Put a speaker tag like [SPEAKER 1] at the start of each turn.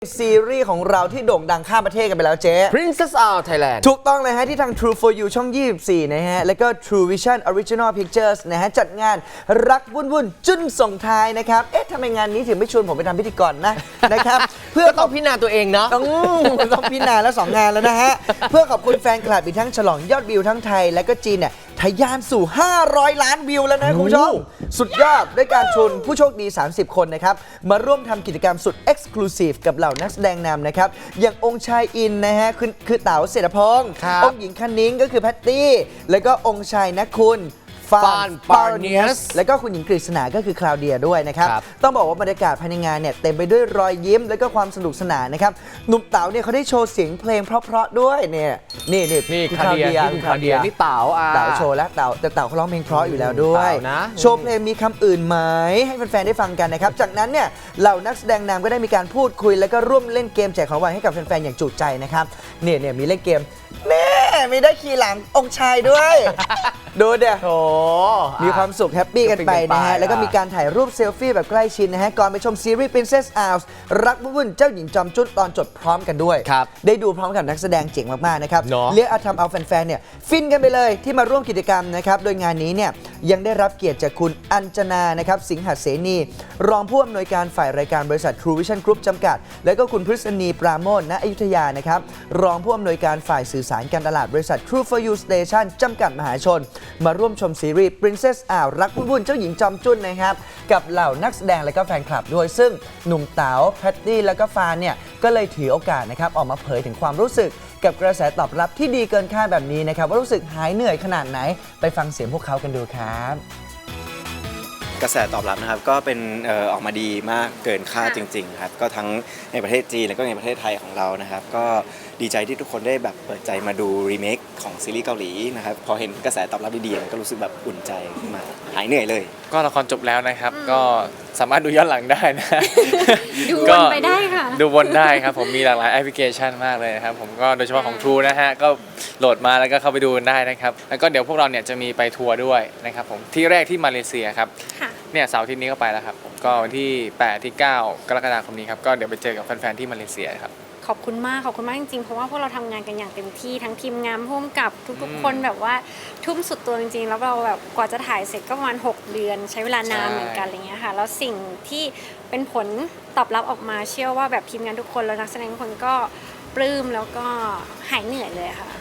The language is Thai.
[SPEAKER 1] ซีรีส์ของเราที่โด่งดังข้ามประเทศกันไปแล้วเจ๊
[SPEAKER 2] Princess Out Thailand
[SPEAKER 1] ถูกต้องเลยฮะที่ทาง True for You ช่อง 24 นะฮะ แล้วก็ True Vision Original Pictures นะฮะ จัดงานรักวุ่นจุ้นส่งท้ายนะครับ เอ๊ะทำไมงานนี้ถึงไม่ชวนผมไปทำพิธีกรนะครับ เพื่อ
[SPEAKER 2] ก็ต้องพิจารณาตัวเองเนาะ
[SPEAKER 1] ต้องพิจารณาแล้ว 2 งานแล้วนะฮะ เพื่อขอบคุณแฟนคลับอีกทั้งฉลองยอดวิวทั้งไทยและก็จีนเนี่ยทะยานสู่ 500 ล้านวิวแล้วนะคุณผู้ชม สุดยอดด้วยการชวนผู้โชคดี 30 คนนะครับ มาร่วมทำกิจกรรมสุด Exclusive กับเหล่านักแสดงนำนะครับ อย่างองค์ชายอินนะฮะคือเต๋าเศรษฐพงศ์
[SPEAKER 2] ครับ
[SPEAKER 1] องค์หญิงคันนิ้งก็คือแพตตี้ แล้วก็องค์ชายนักคุณฟาน
[SPEAKER 2] ปาร์เนียส
[SPEAKER 1] แล้วก็คุณหญิงกฤษณาก็คือคลาวเดียด้วยนะครับ
[SPEAKER 2] ครับ
[SPEAKER 1] ต้องบอกว่าบรรยากาศภายในงานเนี่ยเต็มไปด้วยรอยยิ้มและก็ความสนุกสนานนะครับหนุ่มเต๋าเนี่ยเขาได้โชว์เสียงเพลงเพราะๆด้วยเนี่ยนี่
[SPEAKER 2] นี่
[SPEAKER 1] คุณ
[SPEAKER 2] คาเดียนี่คุณคาเดียนี่เต๋า
[SPEAKER 1] เต๋าโชว์แล้วแต่เต๋าเขาร้องเพลงเพราะอยู่แล้วด้วย
[SPEAKER 2] เต๋านะ
[SPEAKER 1] โชว์เพลงมีคำอื่นไหมให้แฟนๆได้ฟังกันนะครับจากนั้นเนี่ยเหล่านักแสดงนำก็ได้มีการพูดคุยแล้วก็ร่วมเล่นเกมแจกของรางวัลให้กับแฟนๆอย่างจุใจนะครับเนี่ยมีเล่นเกมมีได้ขี่หลังองค์ชายด้วย ดูเดี๋ยว
[SPEAKER 2] โถ
[SPEAKER 1] มีความสุขแฮปปี้กันไปนะฮะ แล้วก็มีการถ่ายรูปเซลฟี่แบบใกล้ชิดนะฮะ ก่อนไปชมซีรีส์ Princess Out รักวุ่นเจ้าหญิงจอมจุ้นตอนจบพร้อมกันด้วย
[SPEAKER 2] ครับ
[SPEAKER 1] ได้ดูพร้อมกับนักแสดงเจ๋งมาก ๆ นะครับ
[SPEAKER 2] เนอะ
[SPEAKER 1] เรียกเอาทำเอาแฟน ๆ เนี่ย ฟินกันไปเลยที่มาร่วมกิจกรรมนะครับ โดยงานนี้เนี่ยยังได้รับเกียรติจากคุณอัญจนานะครับสิงหเสนี รองผู้อำนวยการฝ่ายรายการบริษัท True Vision Group จำกัด แล้วก็คุณพฤษณีปราโมทณอยุธยานะครับรองผู้อำนวยการฝ่ายสื่อสารการตลาดบริษัท True for You Station จำกัดมหาชน มาร่วมชมซีรีส์ Princess Out รักวุ่นเจ้าหญิงจอมจุ้นนะครับกับเหล่านักแสดงและก็แฟนคลับด้วยซึ่งหนุ่มเต๋าแพตตี้แล้วก็ฟานเนี่ยก็เลยถือโอกาสนะครับออกมาเผยถึงความรู้สึกกับกระแสตอบรับที่ดีเกินคาดแบบนี้นะครับว่ารู้สึกหายเหนื่อยขนาดไหนไปฟังเสียงพวกเขากันดูครับ
[SPEAKER 3] กระแสตอบรับนะครับก็เป็นออกมาดีมากเกินคาดจริงๆครับก็ทั้งในประเทศจีนแล้วก็ในประเทศไทยของเรานะครับก็ดีใจที่ทุกคนได้แบบเปิดใจมาดูรีเมคของซีรีส์เกาหลีนะครับพอเห็นกระแสตอบรับดีๆก็รู้สึกแบบอุ่นใจขึ้นมาหายเหนื่อยเลย
[SPEAKER 4] ก็ละครจบแล้วนะครับก็สามารถดูย้อนหลังได้นะ
[SPEAKER 5] ดูวนไปได้ค่ะ
[SPEAKER 4] ดูวนได้ครับผมมีหลากหลายแอปพลิเคชันมากเลยนะครับผมก็โดยเฉพาะของ True นะฮะก็โหลดมาแล้วก็เข้าไปดูกันได้นะครับแล้วก็เดี๋ยวพวกเราเนี่ยจะมีไปทัวร์ด้วยนะครับผมที่แรกที่มาเลเซียครับ
[SPEAKER 5] ค่ะ
[SPEAKER 4] เนี่ยเสาร์อาทิตย์นี้ก็ไปแล้วครับผมก็วันที่8ที่9กรกฎาคมนี้ครับก็เดี๋ยวไปเจอกับแฟนๆที่มาเลเซียครับ
[SPEAKER 5] ขอบคุณมากจริงๆเพราะว่าพวกเราทำงานกันอย่างเต็มที่ทั้งทีมงานร่วมกับทุกๆคนแบบว่าทุ่มสุดตัวจริงๆแล้วเราแบบกว่าจะถ่ายเสร็จก็ประมาณ6 เดือนใช้เวลานานเหมือนกันอะไรเงี้ยค่ะแล้วสิ่งที่เป็นผลตอบรับออกมาเชื่อว่าแบบทีมงานทุกคนแล้วนักแสดงทุกคนก็ปลื้มแล้วก็หายเหนื่อยเลยค่ะ